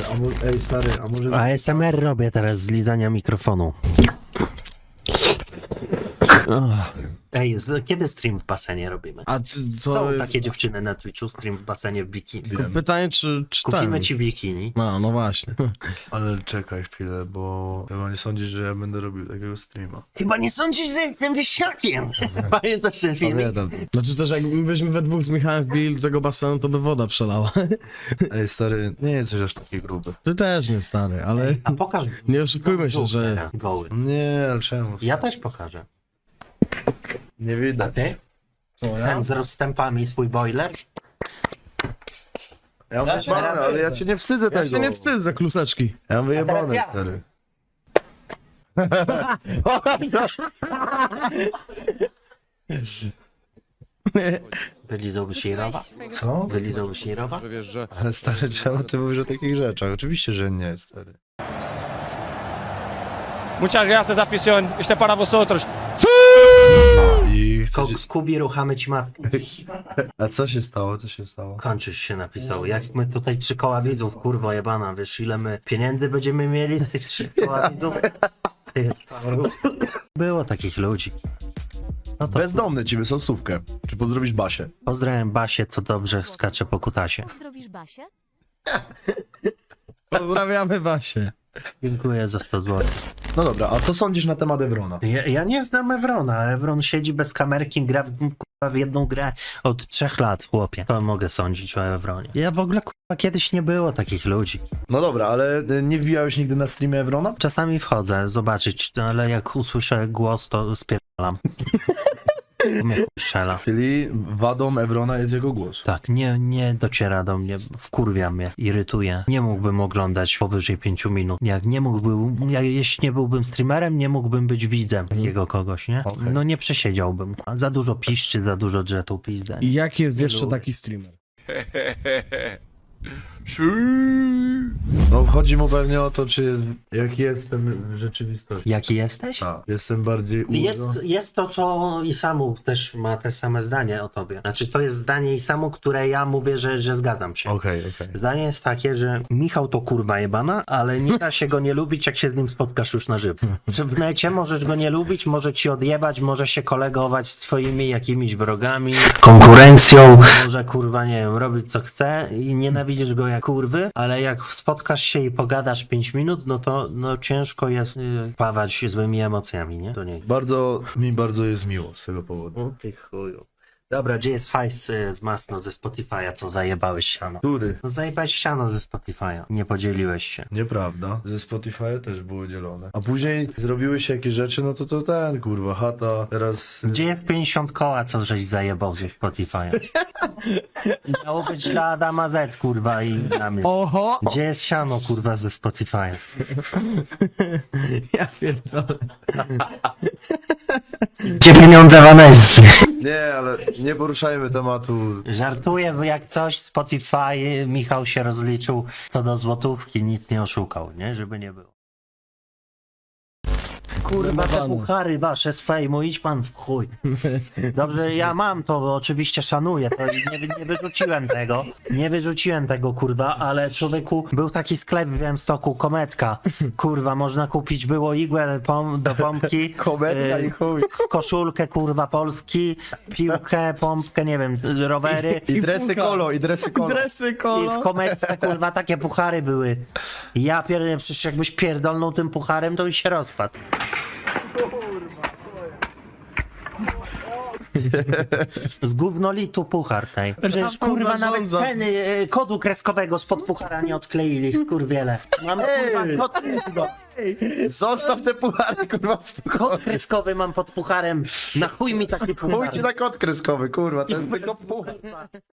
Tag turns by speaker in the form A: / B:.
A: Ej, stary, a może...
B: ASMR robię teraz z lizania mikrofonu. Ej, kiedy stream w basenie robimy?
C: A co
B: Są
C: jest...
B: takie dziewczyny na Twitchu, stream w basenie w bikini.
C: Pytanie, czy
B: Kupimy
C: ten...
B: ci bikini.
C: No właśnie.
A: Ale czekaj chwilę, bo chyba nie sądzisz, że ja będę robił takiego streama.
B: Chyba nie sądzisz, że jestem wieśniakiem. Pamiętasz ten filmik?
A: Pamiętam.
C: Znaczy też jakbyśmy we dwóch z Michałem wbili do tego basenu, to by woda przelała.
A: Ej, stary, nie jesteś aż taki gruby.
C: Ty też nie, stary, ale...
B: A pokaż.
C: Nie oszukujmy się,
B: brzuch
C: że...
B: teraz, goły.
A: Nie, ale czemu?
B: Ja też pokażę.
A: Nie
B: A
A: widać.
B: ty?
C: Co,
B: Ten z rozstępami, swój boiler?
A: Ja mam
B: teraz
A: wyjebane, ale ja cię nie wstydzę
C: Ja
A: tego.
C: się nie wstydzę za kluseczki.
A: Ja mam wyjebane,
B: teraz ja.
A: stary.
B: Wylizałbyś jej rowa?
A: Co?
B: Wylizałbyś jej rowa?
D: Wiesz, że
A: Ale stary, czemu ty mówisz o takich rzeczach? Oczywiście, że nie, stary.
E: Muchas gracias, afición. Este para vosotros.
A: I chcesz...
B: Skubi, ruchamy ci matkę.
A: A co się stało? Co się stało?
B: Kończysz się napisał. Jak my tutaj 3 koła widzów, kurwa jebana, wiesz ile my pieniędzy będziemy mieli z tych 3 koła widzów? Ty, było takich ludzi. No to
A: Bezdomny ci wysłał stówkę. Czy pozdrowisz Basię?
B: pozdrawiam Basię, co dobrze skacze po kutasie.
F: Pozdrowisz Basię?
C: Pozdrawiamy Basię.
B: Dziękuję za 100 zł.
A: No dobra, a co sądzisz na temat Evrona?
B: Ja nie znam Evrona. Evron siedzi bez kamerki, gra w jedną grę od 3 lat, chłopie. To mogę sądzić o Evronie. Ja w ogóle kiedyś nie było takich ludzi.
A: No dobra, ale nie wbijałeś nigdy na streamie Evrona?
B: Czasami wchodzę zobaczyć, ale jak usłyszę głos, to spierdalam. Mnie chuj strzela.
A: Czyli wadą Evrona jest jego głos.
B: Tak, nie dociera do mnie, wkurwia mnie, irytuje. Nie mógłbym oglądać powyżej 5 minut. Jeśli nie byłbym streamerem, nie mógłbym być widzem takiego kogoś, nie?
A: Okej.
B: No nie przesiedziałbym. Za dużo piszczy, za dużo dżetu pizdę.
C: I jaki jest
B: Nie
C: jeszcze
B: lubię.
C: taki streamer?
A: No chodzi mu pewnie o to, czy jaki jestem w rzeczywistości.
B: Jaki jesteś?
A: Tak, jestem bardziej
B: Jest to, co Isamu też ma te same zdanie o tobie. Znaczy, to jest zdanie Isamu, które ja mówię, że zgadzam się.
A: Okej.
B: Zdanie jest takie, że Michał to kurwa jebana, ale nie da się go nie lubić, jak się z nim spotkasz już na żywo. Że w necie możesz go nie lubić, może ci odjebać, może się kolegować z twoimi jakimiś wrogami, konkurencją, może kurwa, nie wiem, robić co chce i nienawidzisz go jak kurwy, ale jak spotkasz się i pogadasz 5 minut, no to ciężko jest pawać złymi emocjami, nie? To nie.
A: Bardzo jest miło z tego powodu.
B: O ty chuju. Dobra, gdzie jest hajs z Masno ze Spotify'a, co zajebałeś siano?
A: Który?
B: No zajebałeś siano ze Spotify'a. Nie podzieliłeś się.
A: Nieprawda. Ze Spotify też było dzielone. A później zrobiły się jakieś rzeczy, no to ten, kurwa, chata, teraz...
B: Gdzie jest 50 koła, co żeś zajebał ze Spotify'a? Miało być dla Adama Z, kurwa, i dla mnie.
C: Oho!
B: Gdzie jest siano, kurwa, ze Spotify'a?
C: Ja pierdolę.
B: Gdzie pieniądze Vanessy?
A: Nie, ale nie poruszajmy tematu.
B: Żartuję, bo jak coś Spotify, Michał się rozliczył co do złotówki, nic nie oszukał, nie? Żeby nie było. Kurwa, te
C: Wymawane.
B: puchary wasze z fejmu, idź pan w chuj. Dobrze, ja mam to, oczywiście szanuję, to nie wyrzuciłem tego. Nie wyrzuciłem tego, kurwa, ale człowieku, był taki sklep w Białymstoku, Kometka. Kurwa, można kupić było igłę do pompki.
A: Kometka i chuj.
B: Koszulkę, kurwa, Polski, piłkę, pompkę, nie wiem, rowery.
A: I dresy kolo, i dresy kolo.
C: Dresy
B: I
C: kolo.
B: w Kometce, kurwa, takie puchary były. Ja pierdolę, przecież jakbyś pierdolnął tym pucharem, to by się rozpadł. Z gównolitu puchar tej. Przecież kurwa nawet
C: zarządza.
B: ceny kodu kreskowego spod puchara nie odkleili, skurwiele. Mam kurwa kod kreskowy.
A: Zostaw te puchary, kurwa,
B: Kod kreskowy mam pod pucharem. Na chuj mi taki puchar.
A: Pójdź na kod kreskowy, kurwa, ten tylko puchar.